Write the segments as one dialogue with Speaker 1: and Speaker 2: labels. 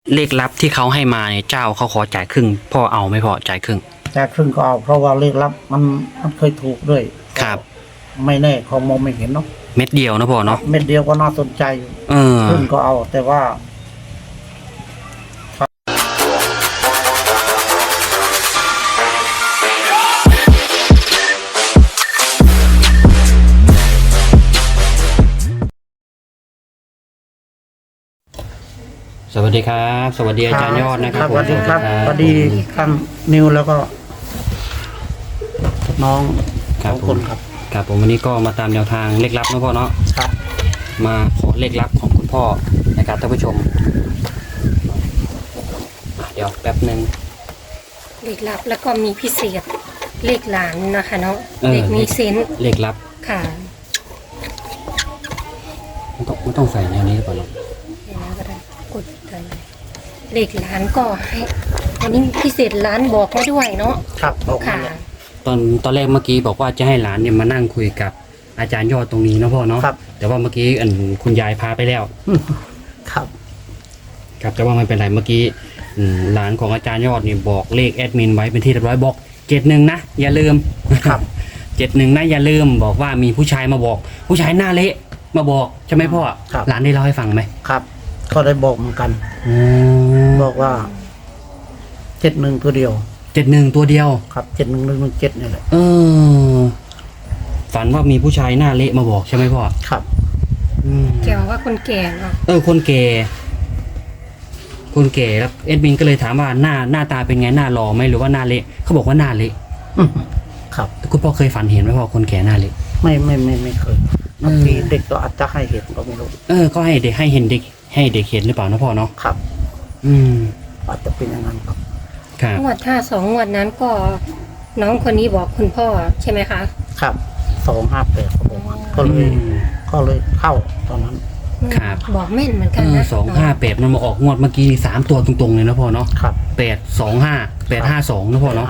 Speaker 1: เลขลับที่เขาให้มาเนี่ยเจ้าเขาขอจ่ายครึ่งพ่อเอาไหม่พอจ่ายครึ่ง
Speaker 2: จ่ายครึ่งก็เอาเพราะว่าเลขลับมันเคยถูกด้วย
Speaker 1: ครับ
Speaker 2: ไม่แน่เขามองไม่เห็นเนาะ
Speaker 1: เม็ดเดียวนะพ่อเนาะ
Speaker 2: เม็ดเดียวก็น่าสนใจอยู่ครึ่งก็เอาแต่ว่า
Speaker 1: สวัสดีครับสวัสดีอาจารย์ยอดนะครับ
Speaker 2: สวัสดีครับสวัสดีท่านนิวแล้วก็น้อง
Speaker 1: ครับผมครับผมวันนี้ก็มาตามแนวทางเลขลับนะพ่อเนาะ
Speaker 2: ครับ
Speaker 1: มาขอเลขลับของคุณพ่อนะครับท่านผู้ชมเดี๋ยวแป๊บนึง
Speaker 3: เลขลับแล้วก็มีพิเศษเลขหลานนะคะเนาะเลขมีเซนส์
Speaker 1: เลขลับ
Speaker 3: ค่ะ
Speaker 1: ไม่ต้องใส่แนวนี้หรือเปล่าเนาะ
Speaker 3: ก็ได้กดกันเลขหลานก็ให้วันนี้พิเศษหลานบอกมาด้วยเนาะ
Speaker 2: ครับ
Speaker 3: ค่ะ
Speaker 1: ตอนแรกเมื่อกี้บอกว่าจะให้หลานเนี่ยมานั่งคุยกับอาจารย์ยอดตรงนี้นะพ่อเนาะแต่ว่าเมื่อกี้คุณยายพาไปแล้ว
Speaker 2: ครับ
Speaker 1: ครับแต่ว่าไม่เป็นไรเมื่อกี้หลานของอาจารย์ยอดนี่บอกเลขแอดมินไว้เป็นที่เรียบร้อยบอก71นะอย่าลืม
Speaker 2: ครับ
Speaker 1: 71นะอย่าลืมบอกว่ามีผู้ชายมาบอกผู้ชายหน้าเละมาบอกใช่ไหมพ่อหลานได้เล่าให้ฟังไหม
Speaker 2: ครับก็ได้บอกเหมือนกันบอกว่า71ตัวเดียว
Speaker 1: 71ตัวเดียว
Speaker 2: ครับ71117นี่แหละ
Speaker 1: ฝันว่ามีผู้ชายหน้าเละมาบอกใช่ไหมพ่อ
Speaker 2: ครับ
Speaker 3: แกบอกว่าคนแก่เนาะ
Speaker 1: คนแก่แล้วเอ็ดมินก็เลยถามว่าหน้าตาเป็นไงหน้าหล่อไหมหรือว่าหน้าเละเขาบอกว่าหน้าเละ
Speaker 2: ครับ
Speaker 1: คุณพ่อเคยฝันเห็นไหมพ่อคนแก่หน้าเละ
Speaker 2: ไม่เคยบางทีเด็กก็อาจจะให้เห็นก็ไม่รู้
Speaker 1: ก็ให้เด็กให้เห็นเด็กให้เด็กเห็นหรือเปล่านะพ่อเนาะ
Speaker 2: ครับอาจจะเป็นอย่างนั้นครับ
Speaker 3: งวด2 งวดนั้นก็น้องคนนี้บอกคุณพ่อใช่ไหมคะ
Speaker 2: ครับ258เขาบอกก็เลยเข้าตอนนั้น
Speaker 1: ครับ
Speaker 3: บอกแม่นเหมือนกันนะ
Speaker 1: 258มันมาออกงวดเมื่อกี้3ตัวตรงๆเลยนะพ่อเนาะ
Speaker 2: ครับ
Speaker 1: 852นะพ่อเนาะ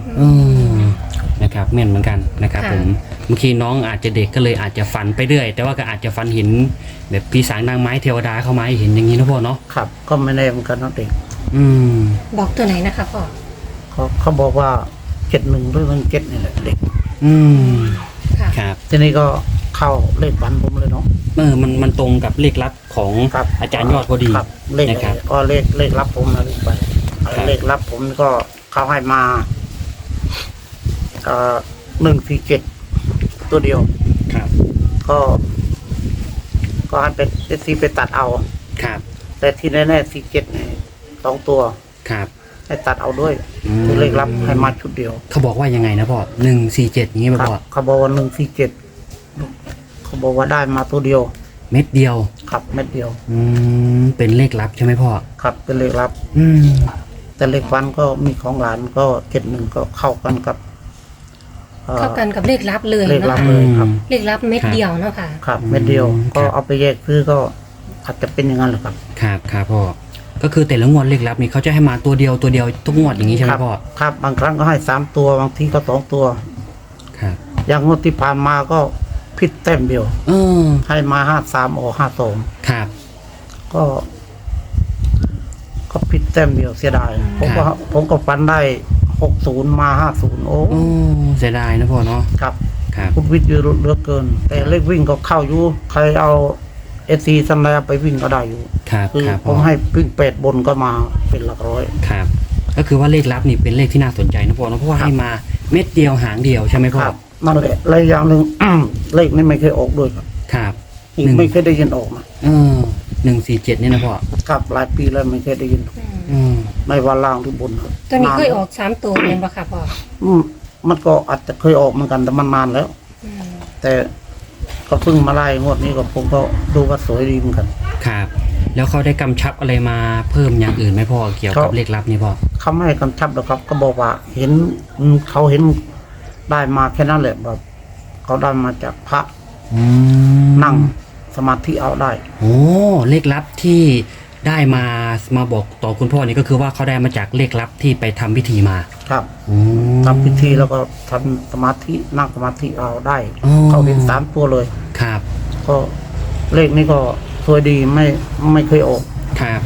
Speaker 1: นะครับแม่นเหมือนกันนะครับผมบางทีน้องอาจจะเด็กก็เลยอาจจะฝันไปเรื่อยแต่ว่าก็อาจจะฝันเห็นแบบพี่สางนางไม้เทวดาเข้ามาเห็นอย่างนี้นะพ่อเนาะ
Speaker 2: ครับก็ไม่แน่เหมือนกันนะเด็ก
Speaker 3: บอกตัวไหนนะคะพ่อ
Speaker 2: เขาบอกว่า71หรือ17นี่แหละเด็ก
Speaker 1: ครับ
Speaker 2: ทีนี้ก็เข้าเลขฝันผมเลยเนาะ
Speaker 1: มันตรงกับเลขลับของอาจารย์ยอดพอดี
Speaker 2: นะครับก็เลขลับผมนะไปเลขลับผมก็เขาให้มา147ตัวเดียว
Speaker 1: ครับ
Speaker 2: ก็ให้เป็นซีไปตัดเอา
Speaker 1: ครับ
Speaker 2: แต่ที่แน่ๆ47นี่2ตัว
Speaker 1: ครับ
Speaker 2: ให้ตัดเอาด้วยคือเลขลับให้มาชุดเดียว
Speaker 1: เขาบอกว่ายังไงนะพ่อ147อย่างงี้ป่ะพ่อ
Speaker 2: เขาบอกว่า147เขาบอกว่าได้มาตัวเดียว
Speaker 1: เม็ดเดียว
Speaker 2: ครับเม็ดเดียว
Speaker 1: เป็นเลขลับใช่ไหมพ่อ
Speaker 2: ครับเป็นเลขลับแต่เลขฟันก็มีของหลานก็71ก็เข้ากันกับ
Speaker 3: เลขลับเลย
Speaker 2: เลขลับเลยครับ
Speaker 3: เลขลับเม็ดเดียวเนาะค่ะ
Speaker 2: ครับเม็ดเดียวก็เอาไปแยกซื้อก็อาจจะเป็นอย่างนั้นแหละครับ
Speaker 1: ครับพ่อก็คือแต่ละงวดเลขลับนี่เขาจะให้มาตัวเดียวทุกงวดอย่างนี้ใช่ไหมพ่อ
Speaker 2: ครับบางครั้งก็ให้3ตัวบางทีก็2ตัว
Speaker 1: ครับ
Speaker 2: อย่างงวดที่ผ่านมาก็ผิดแต้มเดียวให้มา53ออก52
Speaker 1: ครับ
Speaker 2: ก็ผิดแต้มเดียวเสียดายผมก็ฟันได้60มา50โอ้
Speaker 1: เสียดายนะพ่อเนาะ
Speaker 2: ครับคุณวิทย์เยอะเหลือเกินแต่เลขวิ่งก็เข้าอยู่ใครเอาSCสัญญาไปวิ่งก็ได้อยู่
Speaker 1: คือ
Speaker 2: ผมให้วิ่ง8บนก็มาเป็นหลักร้อย
Speaker 1: ครับก็คือว่าเลขลับนี่เป็นเลขที่น่าสนใจนะพ่อเนาะเพราะว่าให้มาเม็ดเดียวหางเดียวใช่ไหมพ่อ
Speaker 2: นั่นแหละและอย่างหนึ่งเลขนี้ไม่เคยออกด้วย
Speaker 1: ครับ
Speaker 2: ไม่เคยได้ยินออกมา
Speaker 1: 147นี่นะพ่อ
Speaker 2: ครับหลายปีแล้วไม่เคยได้ยินไม่ว่าล่างหรือบน
Speaker 3: ตัวนี้เคยออก3ตัวเป็นปะครับพ่อ
Speaker 2: มันก็อาจจะเคยออกเหมือนกันแต่มันนานแล้วแต่ก็เพิ่งมาไล่งวดนี้ก็ผมก็ดูว่าสวยดีเหมือนกัน
Speaker 1: ครับแล้วเขาได้กำชับอะไรมาเพิ่มอย่างอื่นไหมพ่อเกี่ยวกับเลขลับนี่พ่อ
Speaker 2: เขาไม่ให้กำชับหรอกครับก็บอกว่าเขาเห็นได้มาแค่นั้นแหละแบบเขาได้มาจากพระนั่งสมาธิเอาได้
Speaker 1: เลขลับที่ได้มาบอกต่อคุณพ่อนี่ก็คือว่าเขาได้มาจากเลขลับที่ไปทำพิธีมา
Speaker 2: ครับทำพิธีแล้วก็ทำสมาธินั่งสมาธิเอาได้เขาเห็น3ตัวเลย
Speaker 1: ครับ
Speaker 2: ก็เลขนี้ก็สวยดีไม่เคยออก
Speaker 1: ครับ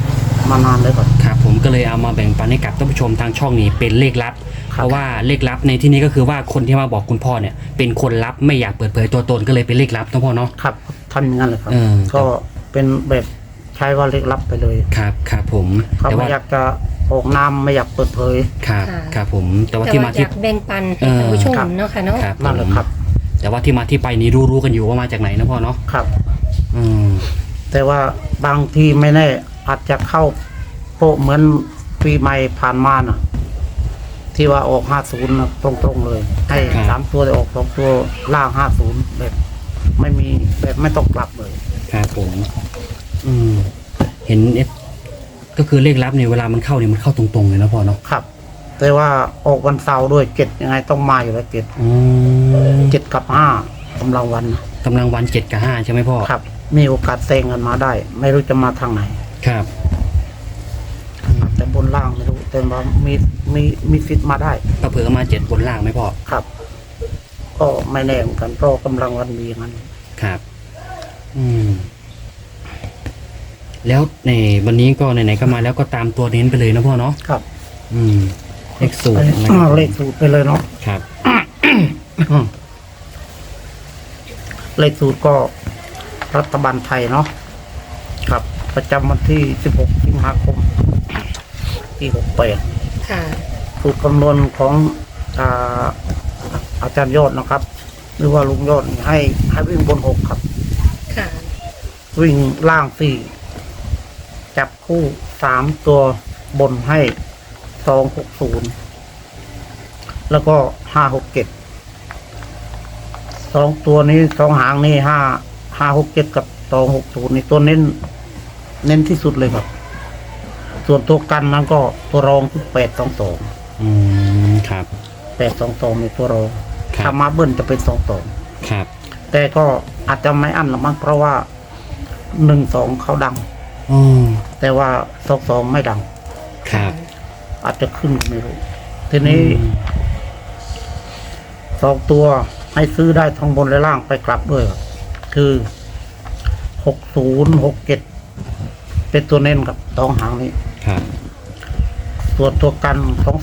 Speaker 2: มานานเลยครับ
Speaker 1: ครับผมก็เลยเอามาแบ่งปันให้กับท่านผู้ชมทางช่องนี้เป็นเลขลับ
Speaker 2: ครับ
Speaker 1: เพราะว่าเลขลับในที่นี้ก็คือว่าคนที่มาบอกคุณพ่อเนี่ยเป็นคนลับไม่อยากเปิดเผยตัวตนก็เลยเป็นเลขลับนะพ่อเนาะ
Speaker 2: ครับทำอย่างนั้นเลยครับ
Speaker 1: เออ
Speaker 2: ก็เป็นแบบใช้ว่าเล็กลับไปเลย
Speaker 1: ครับครับผม
Speaker 2: เขา
Speaker 1: แต่
Speaker 2: ไม่
Speaker 1: ว่า
Speaker 2: อยากจะออกนามไม่อยากเปิดเผย
Speaker 1: ครับ
Speaker 3: ค่ะ
Speaker 1: ครับผมแต่ว่า
Speaker 3: แต่
Speaker 1: ที่
Speaker 3: ว่า
Speaker 1: มา
Speaker 3: อ
Speaker 1: ที่
Speaker 3: ยากแบ่งปันให้ท่านผู้ชมเนาะค่ะเนาะ
Speaker 1: ครับ
Speaker 2: นั่นแหละครับ
Speaker 1: แต่ว่าที่มาที่ไปนี้รู้กันอยู่ว่ามาจากไหนนะพ่อเนาะ
Speaker 2: ครับ
Speaker 1: อืม
Speaker 2: แต่ว่าบางทีไม่แน่อาจจะเข้าโปะเหมือนปีใหม่ผ่านมาน่ะ ที่ว่าออก50นะตรงๆเลย ให้3ตัวได้ออก2ตัวล่าง50แบบไม่มีแบบไม่ต้องกลับเลย
Speaker 1: ครับผม อืมเห็นก็คือเลขลับเนี่ยเวลามันเข้าเนี่ยมันเข้าตรงๆเลยนะพ่อเนาะ
Speaker 2: ครับ แต่ว่าออกวันเสาร์ด้วย7ยังไงต้องมาอยู่แล้ว7
Speaker 1: อืม
Speaker 2: 7กับ5กำลังวันนะ
Speaker 1: กำลังวัน7 กับ 5ใช่ไหมพ่อ
Speaker 2: ครับ มีโอกาสแซงกันมาได้ ไม่รู้จะมาทางไหน
Speaker 1: ครับ
Speaker 2: แต่บนล่างไม่รู้แต่ว่ามีสิทธิ์มาได้
Speaker 1: ก็เผื่อมา7 บนล่างไหมพ่อ
Speaker 2: ครับ ก็ไม่แน่เหมือนกันเพราะกำลังวันมีอย่างนั้น
Speaker 1: ครับ อืม แล้วในวันนี้ก็ไหนๆก็มาแล้วก็ตามตัวเน้นไปเลยนะพ่อเนาะ
Speaker 2: ครับ
Speaker 1: อืม เลขสูตรนะครับ
Speaker 2: เลขสูตรไปเลยเนาะ
Speaker 1: ครับ
Speaker 2: เลขสูตรก็รัฐบาลไทยเนาะครับ ประจำวันที่16สิงหาคมที่68
Speaker 3: ค่ะ
Speaker 2: สูตรคำนวณของอาจารย์ยอดนะครับ หรือว่าลุงยอดนี่ให้วิ่งบน6ครับ
Speaker 3: ค่ะ
Speaker 2: วิ่งล่าง4จับคู่3ตัวบนให้260แล้วก็567 2ตัวนี้2หางนี่567กับ260นี่ตัวเน้นที่สุดเลยครับ ส่วนตัวกันนั้นก็ตัวรองคือ822
Speaker 1: อืม ครับ
Speaker 2: 822ในตัวรอง
Speaker 1: ครับ
Speaker 2: ถ้ามาเบิ้ลจะเป็น22
Speaker 1: ครับ
Speaker 2: แต่ก็อาจจะไม่อั้นหรอกมั้งเพราะว่า12เขาดัง
Speaker 1: อืม
Speaker 2: แต่ว่า22ไม่ดัง
Speaker 1: ครับ
Speaker 2: อาจจะขึ้นไม่รู้ ทีนี้
Speaker 1: อืม
Speaker 2: 2ตัวให้ซื้อได้ทั้งบนและล่างไปกลับด้วยครับคือ6067เป็นตัวเน้นกับ2หางนี้
Speaker 1: ครับ
Speaker 2: ส่วนตัวกัน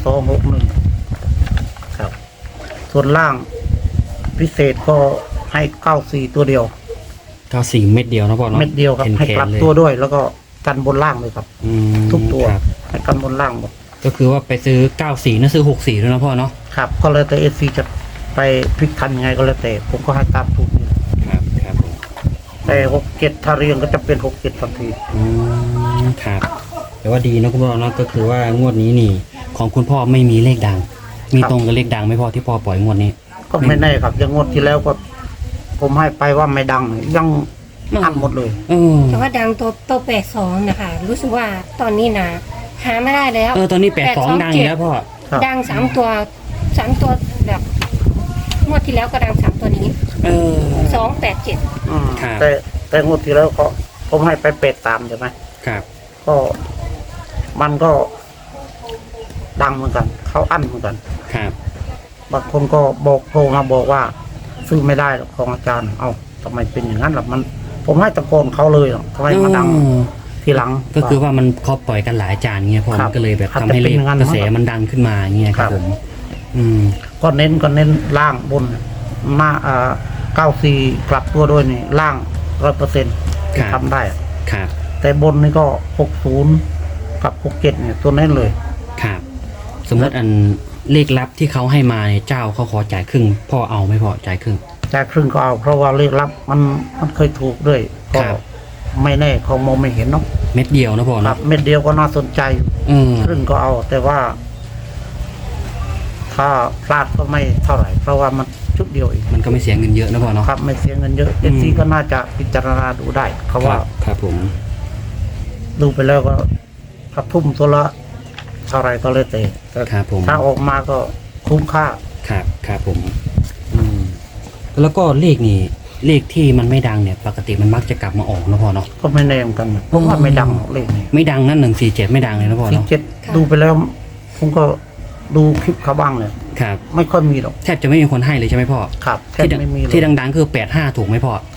Speaker 2: 2261ครับ ส่วนล่างพิเศษก็ให้94ตัวเดียว
Speaker 1: 94 เม็ดเดียวนะพ่อเนาะ
Speaker 2: เม็ดเดียวครับ ให้กลับ
Speaker 1: เลย
Speaker 2: ตัวด้วย แล้วก็กันบนล่างเลยครับ
Speaker 1: อืม
Speaker 2: ทุกตัว
Speaker 1: ครับ
Speaker 2: ให้กันบนล่างหมด
Speaker 1: ก็คือว่าไปซื้อ 94นะซื้อ 64ด้วยนะพ่อเนาะ
Speaker 2: ครับ ก็เลยแต่เอซีจะไปพลิกทันยังไงก็แล้วแต่ ผมก็ให้ตามสูตรนี้
Speaker 1: ครับ ครับผม
Speaker 2: แต่67ถ้าเรียงก็จะเป็น67ทันที
Speaker 1: อืม ครับ แต่ว่าดีนะคุณพ่อเนาะก็คือว่างวดนี้นี่ ของคุณพ่อไม่มีเลขดัง มีตรงกับเลขดังไหม่พอที่พ่อปล่อยงวดนี้
Speaker 2: ก็ไม่แน่ครับยังงวดที่แล้วก็ ผมให้ไปว่าไม่ดังยังอันหมดเลย
Speaker 1: เออ
Speaker 3: แต่ว่าดังตัว82นะคะ รู้สึกว่าตอนนี้นะหาไม่ได้แล้ว
Speaker 1: ตอนนี้82ดังอยู่แล้วพ่อ
Speaker 2: ครับ
Speaker 3: ดัง3 ตัวแบบงวดที่แล้วก็ดัง3 ตัวนี้
Speaker 1: เออ
Speaker 3: 287
Speaker 2: อืม
Speaker 1: ครับ
Speaker 2: แต่งวดที่แล้วก็ผมให้ไป83ใช่ไหม
Speaker 1: ครับ
Speaker 2: ก็มันก็ดังเหมือนกัน เขาอั้นเหมือนกัน
Speaker 1: ครับ
Speaker 2: บางคนก็บอกโทรมาบอกว่า ซื้อไม่ได้หรอกของอาจารย์ เอาทำไมเป็นอย่างนั้นล่ะมัน ผมให้ตะโกนเขาเลยหรอกทำไมมาดัง
Speaker 1: อืม
Speaker 2: ทีหลัง
Speaker 1: ก็คือว่ามันเขาปล่อยกันหลายจานเงี้ยพ่อ
Speaker 2: ครั
Speaker 1: มั
Speaker 2: บ
Speaker 1: นก็เลยแบบ
Speaker 2: อาจ
Speaker 1: ทำ
Speaker 2: จะ
Speaker 1: ให้เล
Speaker 2: เป็น
Speaker 1: ข
Speaker 2: อย่างนั้น
Speaker 1: กระแส
Speaker 2: มั้ง
Speaker 1: มันดังขึ้นมาเงี้ยครับ
Speaker 2: ครับ
Speaker 1: ผม อืม
Speaker 2: ก็เน้นล่างบนหน้า94กลับตัวด้วยนี่ล่าง 100%
Speaker 1: ครับ
Speaker 2: ทำได้อะ
Speaker 1: ครับ
Speaker 2: แต่บนนี่ก็60กับ67เนี่ยตัวเน้นเลย
Speaker 1: ครับ สมมติอันเลขลับที่เขาให้มาเนี่ยเจ้าเขาขอจ่ายครึ่ง พ่อเอาไหม่พ่อจ่ายครึ่ง
Speaker 2: จ่ายครึ่งก็เอา เพราะว่าเลขลับมันเคยถูกด้วย ก็
Speaker 1: ครับ
Speaker 2: ไม่แน่เขามองไม่เห็นเนาะ
Speaker 1: เม็ดเดียวนะพ่อ
Speaker 2: ครั
Speaker 1: เนาะ
Speaker 2: บเม็ดเดียวก็น่าสนใจอยู่
Speaker 1: อืม
Speaker 2: ครึ่งก็เอา แต่ว่า ถ้าพลาดก็ไม่เท่าไหร่ เพราะว่ามันชุดเดียวเอง
Speaker 1: มันก็ไม่เสียเงินเยอะนะพ่อเนาะ
Speaker 2: ครับ ไม่เสียเงินเยอะ
Speaker 1: อื
Speaker 2: เอ
Speaker 1: ม
Speaker 2: ซีก็น่าจะพิจารณาดูได้เขาว่า
Speaker 1: ครับผม
Speaker 2: ดูไปแล้วก็ถ้าทุ่มตัวละเท่าไหรก็เลยแต่
Speaker 1: ครับผม
Speaker 2: ถ้าออกมาก็คุ้มค่า
Speaker 1: ครับครับผม อืม แล้วก็เลขนี่ เลขที่มันไม่ดังเนี่ย ปกติมันมักจะกลับมาออกนะพ่อเนาะ
Speaker 2: ก็ไม่แน่เหมือนกันนะผมว่าไม่ดังหรอกเลขนี้
Speaker 1: ไม่ดังนั่น147ไม่ดังเลยนะพ่อ
Speaker 2: สี่
Speaker 1: เนาะ
Speaker 2: เจ็ดดูไปแล้ว ผมก็ดูคลิปเขาบ้างเลย
Speaker 1: ครับ
Speaker 2: ไม่ค่อยมีหรอก
Speaker 1: แทบจะไม่มีคนให้เลยใช่ไหมพ่อ
Speaker 2: ครับแทบ
Speaker 1: ที่ดัง
Speaker 2: ไม่มีเลย
Speaker 1: ที่ดังๆคือ85ถูกไหมพ่อ
Speaker 2: ครับ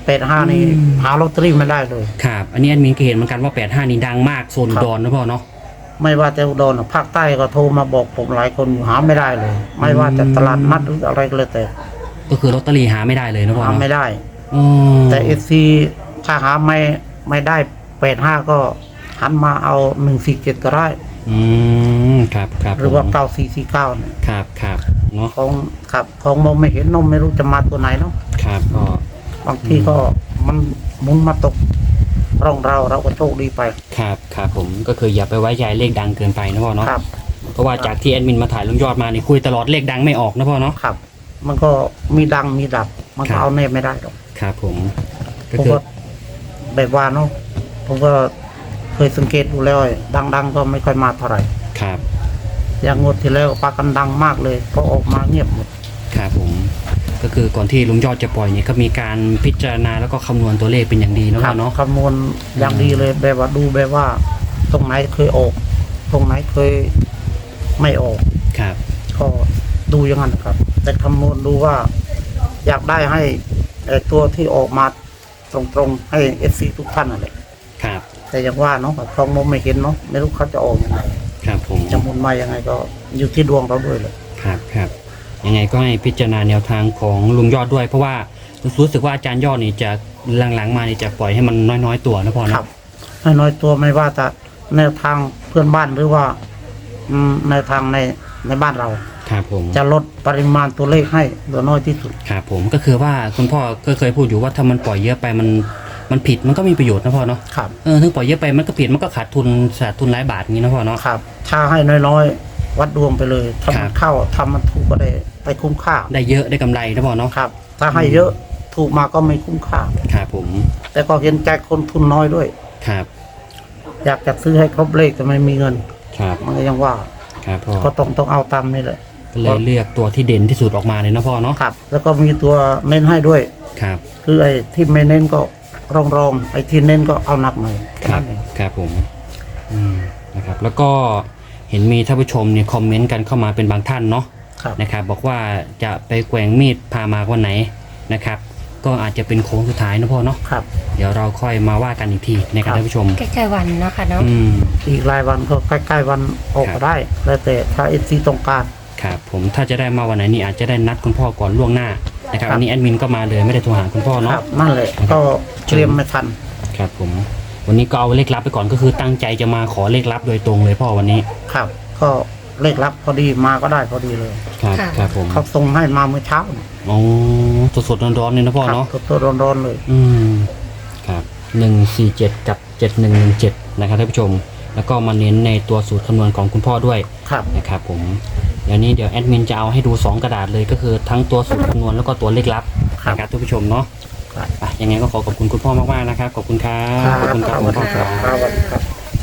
Speaker 2: 85นี่หาลอตเตอรี่ไม่ได้เลย
Speaker 1: ครับอันนี้แอดมินก็เห็นเหมือนกันว่า85นี่ดังมากโซนอุดรนะพ่อเนาะ
Speaker 2: ไม่ว่าจะอุดรภาคใต้ก็โทรมาบอกผมหลายคนอยู่หาไม่ได้เลย ไม่ว่าจะตลาดนัดหรืออะไรก็เลยแต่
Speaker 1: ก็คือลอตเตอรี่หาไม่ได้เลยนะพ่อ
Speaker 2: หา
Speaker 1: เนาะ
Speaker 2: ไม่ได้
Speaker 1: อืม
Speaker 2: แต่ FC ถ้าหาไม่ได้85ก็หันมาเอา147ก็ได้
Speaker 1: อืมครับครับ
Speaker 2: หรือว่า
Speaker 1: ผม
Speaker 2: 9449เนี่ย
Speaker 1: ครับครับเนาะ
Speaker 2: ของมองไม่เห็นนมไม่รู้จะมาตัวไหนเนาะ
Speaker 1: ครับก็
Speaker 2: บางทีก็มันหมุนมาตกร่องเราก็โชคดีไป
Speaker 1: ครับครับผมก็คืออย่าไปไว้ใจเลขดังเกินไปนะพ่อเนาะ
Speaker 2: ครับ
Speaker 1: เพราะว่าจากที่แอดมินมาถ่ายลุงยอดมานี่คุยตลอดเลขดังไม่ออกนะพ่อเนาะ
Speaker 2: ครับ มันก็มีดังมีดับ มัน
Speaker 1: ครั
Speaker 2: ก็
Speaker 1: บ
Speaker 2: เอาแน่ไม่ได้หรอก
Speaker 1: ครับผมก็
Speaker 2: ผม
Speaker 1: คือ
Speaker 2: ก็แบบว่าเนาะผมก็เคยสังเกตดูแล้วดังๆก็ไม่ค่อยมาเท่าไหร่
Speaker 1: ครับ
Speaker 2: อย่างงวดที่แล้วปากันดังมากเลยพอออกมาเงียบหมด
Speaker 1: ครับผมก็คือก่อนที่ลุงยอดจะปล่อยเนี่ยก็มีการพิจารณาแล้วก็คำนวณตัวเลขเป็นอย่างดีนะ
Speaker 2: ค
Speaker 1: พ่
Speaker 2: รั
Speaker 1: อเนาะ
Speaker 2: คำนวณอย่างดีเลยแบบว่าดูแบบว่า ตรงไหนเคยออก ตรงไหนเคยไม่ออก
Speaker 1: ครับ
Speaker 2: ก็ดูอย่างนั้นครับ แต่คำนวณดูว่า อยากได้ให้ตัวที่ออกมาตรงๆให้เอฟซีทุกท่านอะไร
Speaker 1: ครับ
Speaker 2: แต่อย่างว่าเนาะทองมองไม่เห็นเนาะไม่รู้เขาจะออกยังไง
Speaker 1: ครับผม
Speaker 2: จะหมุนมายังไงก็อยู่ที่ดวงเราด้วยเลย
Speaker 1: ครับครับยังไงก็ให้พิจารณาแนวทางของลุงยอดด้วย เพราะว่ารู้สึกว่าอาจารย์ยอดนี่จะหลังๆมานี่จะปล่อยให้มันน้อยๆตัวนะพ่อ
Speaker 2: ครั
Speaker 1: เนาะ
Speaker 2: บให้น้อยตัวไม่ว่าจะแนวทางเพื่อนบ้านหรือว่าแนวทางในบ้านเรา
Speaker 1: ครับผม
Speaker 2: จะลดปริมาณตัวเลขให้เหลือน้อยที่สุด
Speaker 1: ครับผมก็คือว่าคุณพ่อก็เคยพูดอยู่ว่าถ้ามันปล่อยเยอะไปมันผิดมันก็มีประโยชน์นะพ่อเนาะ
Speaker 2: ครับ
Speaker 1: ถึงปล่อยเยอะไปมันก็ผิดมันก็ขาดทุนหลายบาทอย่างนี้นะพ่อเนาะ
Speaker 2: ครับ ถ้าให้น้อยๆ วัดดวงไปเลยถ้า
Speaker 1: ครั
Speaker 2: มั
Speaker 1: บ
Speaker 2: นเข้าทำมันถูกก็ได้ไปคุ้มค่า
Speaker 1: ได้เยอะได้กำไรนะพ่อเนาะ
Speaker 2: ครับ ถ้าให้เยอะถูกมาก็ไม่คุ้มค่า
Speaker 1: ครับผม
Speaker 2: แต่ก็เห็นใจคนทุนน้อยด้วย
Speaker 1: ครับ
Speaker 2: อยากจะซื้อให้ครบเลขแต่ไม่มีเงิน
Speaker 1: ครับ
Speaker 2: มันก็ยังว่า
Speaker 1: ครับพ่อ
Speaker 2: ก็ต้องเอาตามนี่แหละ
Speaker 1: ก็เลยเลือกตัวที่เด่นที่สุดออกมาเลยนะพ่อเนาะ
Speaker 2: ครับ แล้วก็มีตัวเน้นให้ด้วย
Speaker 1: ครับ
Speaker 2: คือไอ้ที่ไม่เน้นก็รองไอ้ที่เน้นก็เอาหนักหน่อยแค่
Speaker 1: ครับ
Speaker 2: นั้นเอง
Speaker 1: ครับผมนะครับแล้วก็เห็นมีท่านผู้ชมเนี่ยคอมเมนต์กันเข้ามาเป็นบางท่านเนาะ
Speaker 2: ครับ
Speaker 1: นะครับบอกว่าจะไปแกว่งมีดพามาวันไหนนะครับก็อาจจะเป็นโค้งสุดท้ายนะพ่อเนาะ
Speaker 2: ครับ
Speaker 1: เดี๋ยวเราค่อยมาว่ากันอีกทีนะครับ
Speaker 2: ครับ
Speaker 1: ท่านผู้ชม
Speaker 3: ใกล้ๆวันเนาะค่ะเนาะ
Speaker 2: อีกรายวันก็ใกล้ๆวันออก
Speaker 1: ครั
Speaker 2: ก็
Speaker 1: บ
Speaker 2: ได้ แล้วแต่ถ้าเอซีต้องการ
Speaker 1: ครับผมถ้าจะได้มาวันไหนนี่อาจจะได้นัดคุณพ่อก่อนล่วงหน้านะครับ
Speaker 2: ครับ
Speaker 1: อันนี้แอดมินก็มาเลยไม่ได้โทรหาคุณพ่อ
Speaker 2: ค
Speaker 1: เนาะ
Speaker 2: รับนั่นแหละก็เตรียมไม่ทัน
Speaker 1: ครับผมวันนี้ก็เอาเลขลับไปก่อนก็คือตั้งใจจะมาขอเลขลับโดยตรงเลยพ่อวันนี้
Speaker 2: ครับ ก็เลขรับพอดีมาก็ได้พอดีเลย
Speaker 1: ครับ
Speaker 3: ค่ะ
Speaker 1: ครับผม
Speaker 2: เขาส่งให้มาเมื่อเช้า
Speaker 1: อ๋อสดๆร้อนๆเลยนะพ่อเนาะ
Speaker 2: ครับตัวร้อนๆเลย
Speaker 1: ครับ147กับ7117นะครับท่านผู้ชม แล้วก็มาเน้นในตัวสูตรคำนวณของคุณพ่อด้วย
Speaker 2: ครับ
Speaker 1: นะครับผมเดี๋ยวแอดมินจะเอาให้ดู2กระดาษเลยก็คือทั้งตัวสูตรคำนวณแล้วก็ตัวเลขลับนะครับท่านผู้ชมเนาะ
Speaker 2: ครับ
Speaker 1: อ่ะยังไงก็ขอบคุณคุณพ่อมากๆนะครับขอบคุณครับขอบคุณครับคุณพ่อครับ
Speaker 2: ครับสวัสดีครับ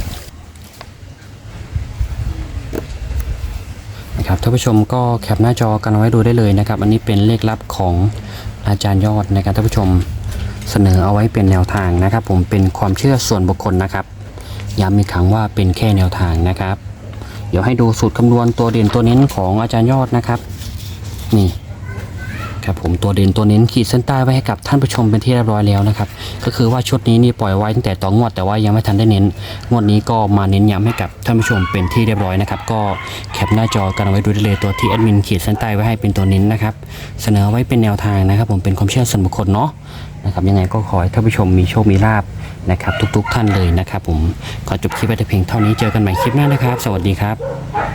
Speaker 1: นะครับท่านผู้ชมก็แคปหน้าจอกันเอาไว้ดูได้เลยนะครับอันนี้เป็นเลขลับของอาจารย์ยอดนะครับท่านผู้ชมเสนอเอาไว้เป็นแนวทางนะครับ ผมเป็นความเชื่อส่วนบุคคลนะครับย้ำอีกครั้งว่าเป็นแค่แนวทางนะครับ เดี๋ยวให้ดูสูตรคำนวณตัวเด่นตัวเน้นของอาจารย์ยอดนะครับนี่ครับผมตัวเด่นตัวเน้นขีดเส้นใต้ไว้ให้กับท่านผู้ชมเป็นที่เรียบร้อยแล้วนะครับก็คือว่าชุดนี้นี่ปล่อยไว้ตั้งแต่ต่องวดแต่ว่ายังไม่ทันได้เน้นงวดนี้ก็มาเน้นย้ำให้กับท่านผู้ชมเป็นที่เรียบร้อยนะครับก็แคปหน้าจอกันเอาไว้ดูได้เลยตัวที่แอดมินขีดเส้นใต้ไว้ให้เป็นตัวเน้นนะครับเสนอไว้เป็นแนวทางนะครับ ผมเป็นความเชื่อส่วนบุคคลเนาะนะครับยังไงก็ขอให้ท่านผู้ชมมีโชคมีลาภนะครับทุกๆท่านเลยนะครับผมขอจบคลิปไว้แต่เพียงเท่านี้เจอกันใหม่คลิปหน้านะครับ สวัสดีครับ